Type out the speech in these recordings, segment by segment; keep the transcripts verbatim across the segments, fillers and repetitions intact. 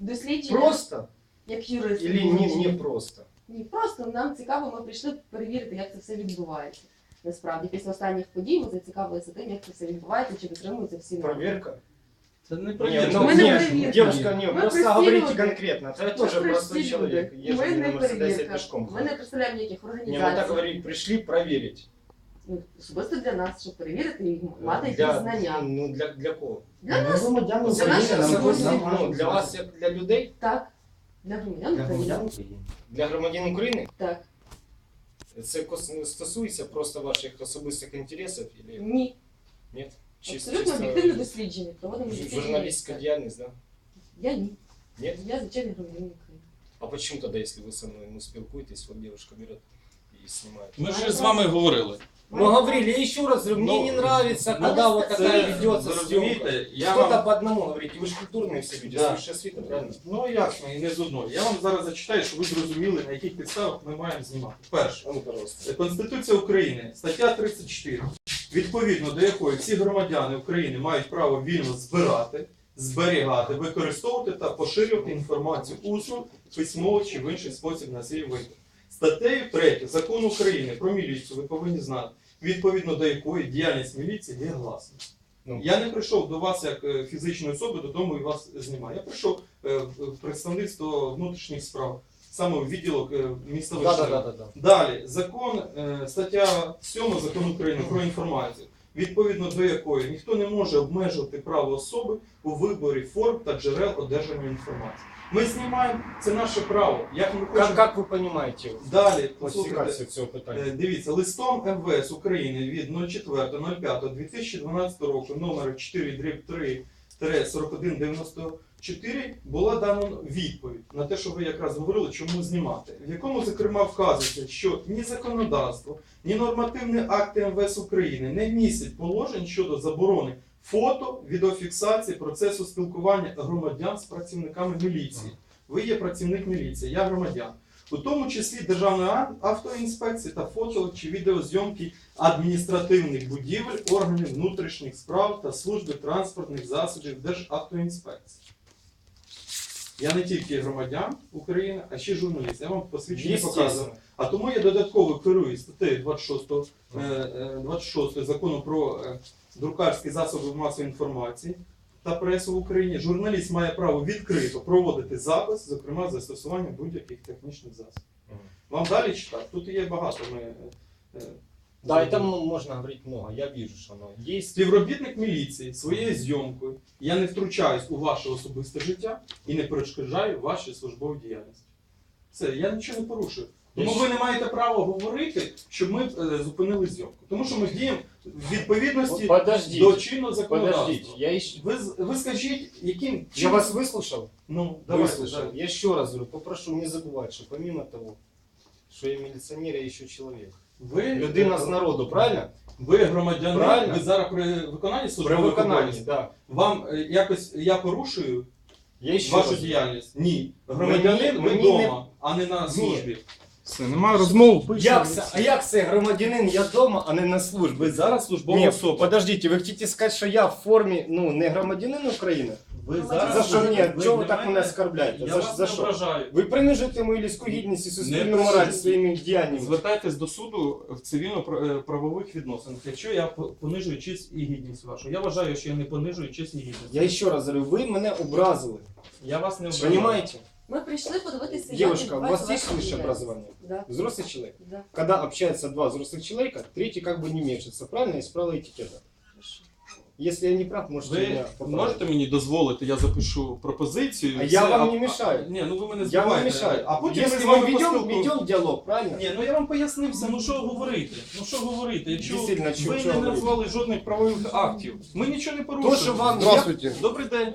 дослідження Просто? як юрист. Или не, не просто? Ні, просто нам цікаво, ми прийшли перевірити, як це все відбувається. Насправді, після останніх подій ми зацікавилися тим, як це все відбувається, чи дотримуються всі норми. Проверка? Це не Нет, проверка. ну, Мы не нет, проверка. девушка, не, Мы просто простые говорите люди. конкретно. Это я Ми тоже простой прості человек. люди. Езжу Ми на не Мерседесе перевірка. пешком. Ми не представляємо ніяких Не, ну так організацій. говорить, пришли проверить. Ну, особисто для нас, щоб перевірити і мати якісь Для, знання. ну, для, для кого? Для нас, громадян Для України наших нам громадян. нам Ну, для вас, як для людей? так, для громадян для України. громадян України. Для громадян України? Так. Це кос- стосується просто ваших особистих інтересів? Или... Ні. Нет? Чисто, Абсолютно чисто об'єктивне дослідження. Проводимо ж- дослідження. журналистская деятельность, да? Я ні. Нет? Я звичайний громадянин України. А почему тогда, если вы со мной ну, спілкуєтесь, вот девушка берет и снимает? Ми вже з вами говорили. Мы говорили, я еще раз говорю, мне Ну, не нравится, ну, когда вот це- такая це- ведется Зрозумійте, съемка. я Кто-то вам... по одному говорите, вы же культурные все люди, Да. высшая світа, правильно? Ну ясно, і не з одної. Я вам зараз зачитаю, щоб ви зрозуміли, на яких підставах ми маємо знімати. Перше. А ну, пожалуйста. Конституція України, стаття тридцять чотири, відповідно до якої всі громадяни України мають право вільно збирати, зберігати, використовувати та поширювати інформацію усно, письмово чи в інший спосіб на свій вибір. Статтею третю Закону України про міліцію ви повинні знати, відповідно до якої діяльність міліції є гласною. Ну. Я не прийшов до вас як е, фізичної особи додому і вас знімаю. Я прийшов е, в представництво внутрішніх справ, саме в відділок е, міста Да, Вишневе. да, да, да, да. Далі, закон, е, стаття сьома Закону України про інформацію, відповідно до якої ніхто не може обмежувати право особи у виборі форм та джерел одержання інформації. Ми знімаємо, це наше право. Як ми Как, хочемо... как вы понимаете Далі, классификацию послухайте, цього питання? е, дивіться, листом ем ве ес України від четвертого п'ятого дві тисячі дванадцятого року номер чотири три сорок один дев'яносто чотири була дана відповідь на те, що ви якраз говорили, чому знімати, в якому, зокрема, вказується, що ні законодавство, ні нормативні акти ем ве ес України не містять положень щодо заборони фото, відеофіксації процесу спілкування громадян з працівниками міліції. Ви є працівник міліції, я громадян. У тому числі Державної автоінспекції та фото чи відеозйомки адміністративних будівель, органів внутрішніх справ та служби транспортних засобів Державтоінспекції. Я не тільки громадян України, а ще й журналіст. Я вам посвідчення показую. Естественно. А тому я додатково керую статтею двадцять шостого, е, е, двадцять шостого закону про е, друкарські засоби масової інформації та пресу в Україні. Журналіст має право відкрито проводити запис, зокрема з застосуванням будь-яких технічних засобів. Мгм. Вам далі читати? Тут є багато. Ми, е, е, Да, и там можно говорить много, я вижу, что оно есть. Співробітник міліції своєю зйомкою, я не втручаюсь у ваше особисте життя і не перешкоджаю вашій службовій діяльності. Все, я нічого не порушую. Тому ви не маєте права говорити, щоб ми е, зупинили зйомку. Тому що ми діємо в відповідності Подождите, до чинного законодавства. подождите, я еще... Ви, з- ви скажіть, яким Я чином- вас выслушал? Ну, давайте, Выслушал. да. Я еще раз говорю, попрошу не забывать, что помимо того, что я милиционер, я еще человек. Ви, Людина з народу, правильно? ви громадянин, Правильно. ви зараз при виконанні При службових виконанні, обов'язків. да. Вам е, якось я порушую Я ще вашу раз- діяльність? Ні. Громадянин ви мені вдома, а не на службі. Все, немає розмов. Як це, а як це громадянин, я вдома, а не на службі? Ви зараз службова Ні, особа. подождите, ви хочете сказати, що я в формі, ну, не громадянин України? Ви За що мені? Чого ви так мене оскорбляєте? Я За, вас за не що? ображаю. Ви принижуєте мою людську гідність і суспільну Не мораль принижую. своїми діяннями. Звертайтесь до суду в цивільно-правових відносинах, якщо я по- понижую честь і гідність вашу. Я вважаю, що я не понижую честь і гідність. Я ще раз говорю, ви мене образили. Я вас не ображаю. Понимаете? Ми прийшли подивитися, Девушка, у як вас відбувається есть ваша высшее діяльність. образование? Да, Взрослый человек? да. Когда общаются два взрослых человека, третий как бы не мешается, правильно? Из правила этикета. Хорошо. Если я не прав, можете Ви меня поправить. можете мені дозволити, я запишу пропозицію. А все, я вам не мешаю. А, ні, ну ви мене Я вам не збиваєте. мешаю. А потім Если ми з мы вами ведем, поспілкуємося. ведем диалог, правильно? Ні, ну я вам пояснив все, ну що говорити? Ну що говорити? Якщо Дійсно, ви що- не що говорити? назвали жодних правових актів, ми нічого не порушуємо. То, що вам... Здравствуйте. Добрий день.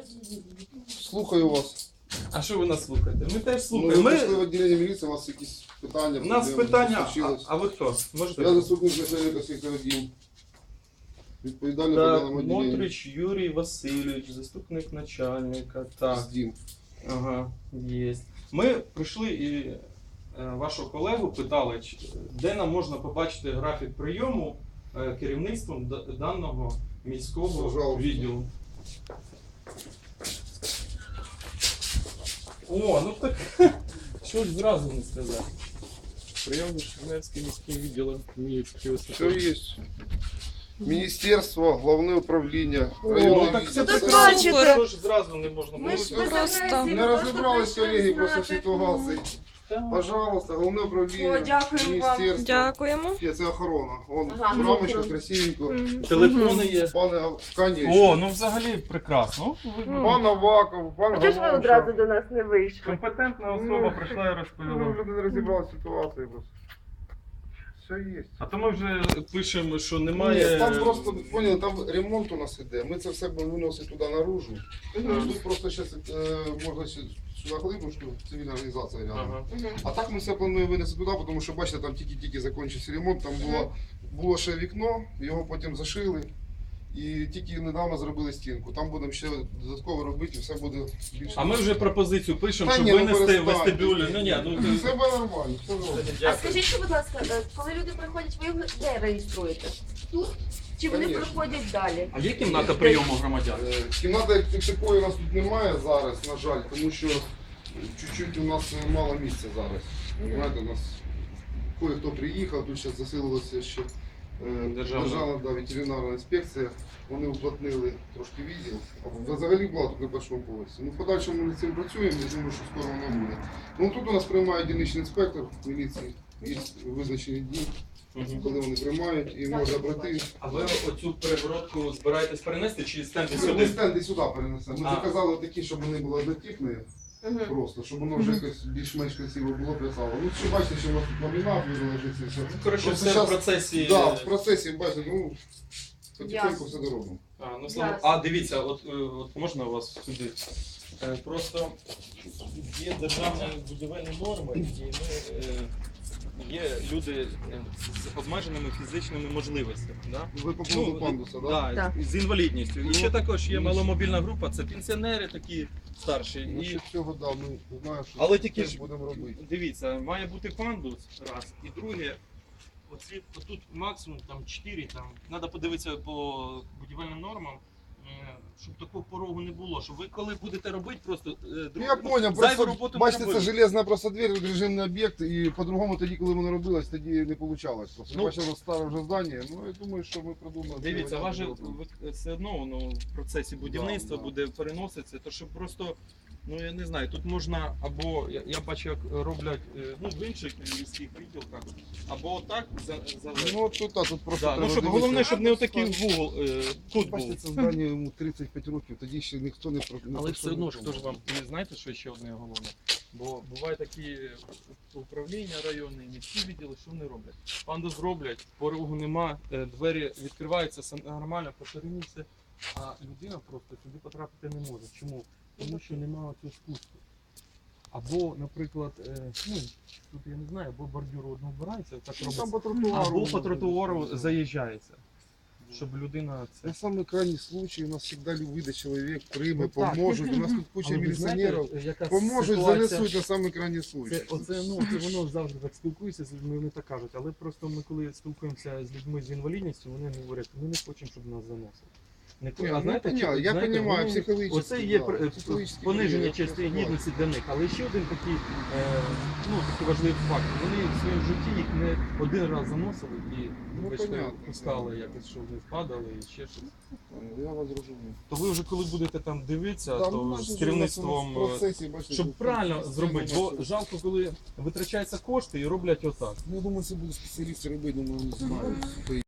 Слухаю вас. А що ви нас слухаєте? Ми теж Ну, слухаємо. ви Ми... прийшли в відділення міліції, у вас якісь питання. У нас проблеми, питання, щось а, случилось? а ви хто? Можете? Я заступник начальника сектора один. Відповідальний по Так, даному відділенню. Мотрич Юрій Васильович, заступник начальника. Так, Здін. ага, є. Ми прийшли і е, вашого колегу питали, чи- де нам можна побачити графік прийому е, керівництвом д- даного міського Пожалуйста. відділу. О, ну так що ж зразу не сказати. Прийомний Чернівський міським відділом Хмельницької Все ОСП. есть. Министерство, головне управління, О, районне так це відділ. Тут прекрасно. бачите. Що ж зразу не можна Ми ж було? без Просто агресії, Не ми просто розібрались прийшли колеги, просто знати. всі тогаси. Так. Пожалуйста, головне О, управління, дякую вам. міністерство. Дякуємо. Є, це охорона. Вон Ага, в рамочку, ну, красивенько. Мгм. Телефони є. Пане, конечно. О, ну взагалі прекрасно. Пан Аваков, пан А чого ж ви одразу до нас не вийшли? Компетентна особа прийшла і Ну, люди не розібрали ситуацію просто. Все є. А то ми вже пишемо, що Ні, немає. там просто, поняли, там ремонт у нас іде. Ми це все будемо виносити туди наружу. Мгм. Тут просто зараз можна ще сюди глибочку, цивільна організація рядом. Ага. Мгм. А так ми все плануємо винести туди, тому що бачите, там тільки-тільки закінчився ремонт, там було, було ще вікно, його потім зашили. І тільки недавно зробили стінку. Там будемо ще додатково робити, і все буде більше. А ми вже пропозицію пишемо, Та щоб ні, ну, винести перестань. вестибюлі. Ну ні, ну Все буде нормально, все добре. А дякую. скажіть, що, будь ласка, е, коли люди приходять, ви їх де реєструєте? Тут? Чи вони Конечно. приходять далі? А є кімната прийому громадян? Е, Кімнати як такої у нас тут немає зараз, на жаль, тому що чуть-чуть у нас мало місця зараз. Знаєте, у нас кое-хто приїхав, тут зараз засилилося ще е, Державна. державна да, ветеринарна інспекція. Вони уплотнили трошки відділ. А взагалі була тут на першому поверсі. Ну, в подальшому ми над цим працюємо, я думаю, що скоро воно буде. Ну тут у нас приймає дільничний інспектор міліції, є визначені дні, Мгм. коли вони приймають і можна брати. А ви оцю перегородку збираєтесь перенести чи стенди Ми сюди? стенди сюди перенесемо. Ми А. заказали такі, щоб вони були однотипні. Мгм. Просто, щоб воно вже якось більш-менш красиво було писало. Ну, що бачите, що у нас тут ламінат лежить, все. Ну, коротше, Просто все в щас- процесі. Да, в процесі, бачите, ну, потихеньку Ясно. все доробимо. А, ну, слава... Ясно. а дивіться, от, е, от можна у вас сюди? Е, Просто є державні будівельні норми, і ми, е, є люди е, з обмеженими фізичними можливостями. Да? Ви по поводу Ну, пандуса, да? Да, Так. з інвалідністю. І ще також є ну, маломобільна група, це пенсіонери такі старші. І... Насчет цього, да, ми знаємо, що Але тільки теж ж будемо робити. дивіться, має бути пандус, раз. І друге, оці, отут максимум там чотири, там, треба подивитися по будівельним нормам, е, щоб такого порогу не було. Щоб ви коли будете робити, просто е, Ну, друг- я понял, зайву просто роботу бачите, не це робити. железна просто двір, режимний об'єкт, і по-другому тоді, коли воно робилось, тоді не вийшло. Просто Ну, бачили старе вже здання, ну я думаю, що ми придумали. Дивіться, це вас же зробимо. ви- все одно воно в процесі будівництва Да, да. буде переноситися, то щоб просто, ну я не знаю, тут можна або, я, я бачу, як роблять е, ну, в інших міських відділках, або отак за, за Ну, тут, а, тут просто да, треба ну, щоб, дивитися. головне, щоб не отакий вугол е, тут був. Бачите, це здання йому тридцять п'ять років, тоді ще ніхто не про не Але все одно ж хто ж пробував. вам не знаєте, що ще одне головне. Бо бувають такі управління районні, міські відділи, що вони роблять. Пандус зроблять, порогу нема, е, двері відкриваються, все нормально, по ширині все. А людина просто сюди потрапити не може. Чому? Тому що немає цього спуску. Або, наприклад, е, ну, тут я не знаю, або бордюр одного вбирається, так Ну, там робиться, по тротуару. або по тротуару заїжджається. Щоб людина це. На самый крайний случай у нас всегда выйдет человек, прийме, Ну, так. поможет. У нас тут куча Але ви міліціонерів. знаєте, яка Поможуть, ситуація? занесуть на самый крайний случай. Це, оце, ну, це воно завжди так спілкується з людьми, вони так кажуть. Але просто ми коли спілкуємося з людьми з інвалідністю, вони говорять, ми не хочемо, щоб нас заносили. Не, Ні, а ну, знаєте, понятно, чи- я знаєте, понимаю, вони- психологічно. Оце є да, пр- психологічно пониження я частини просто бачу. гідності для них. Але ще один такий, е, ну, такий важливий факт. Вони в своєму житті їх не один раз заносили і Ну, вибачте, понятно, пускали понятно. якось, щоб не впадали і ще щось. Я вас розумію. То ви вже коли будете там дивитися, Да, ну, то у нас з же керівництвом. у нас в процесі, бачите, Щоб тут правильно постійно зробити, бо бачите. жалко, коли витрачаються кошти і роблять отак. Ну, я думаю, це будуть спеціалісти робити, думаю, вони знають.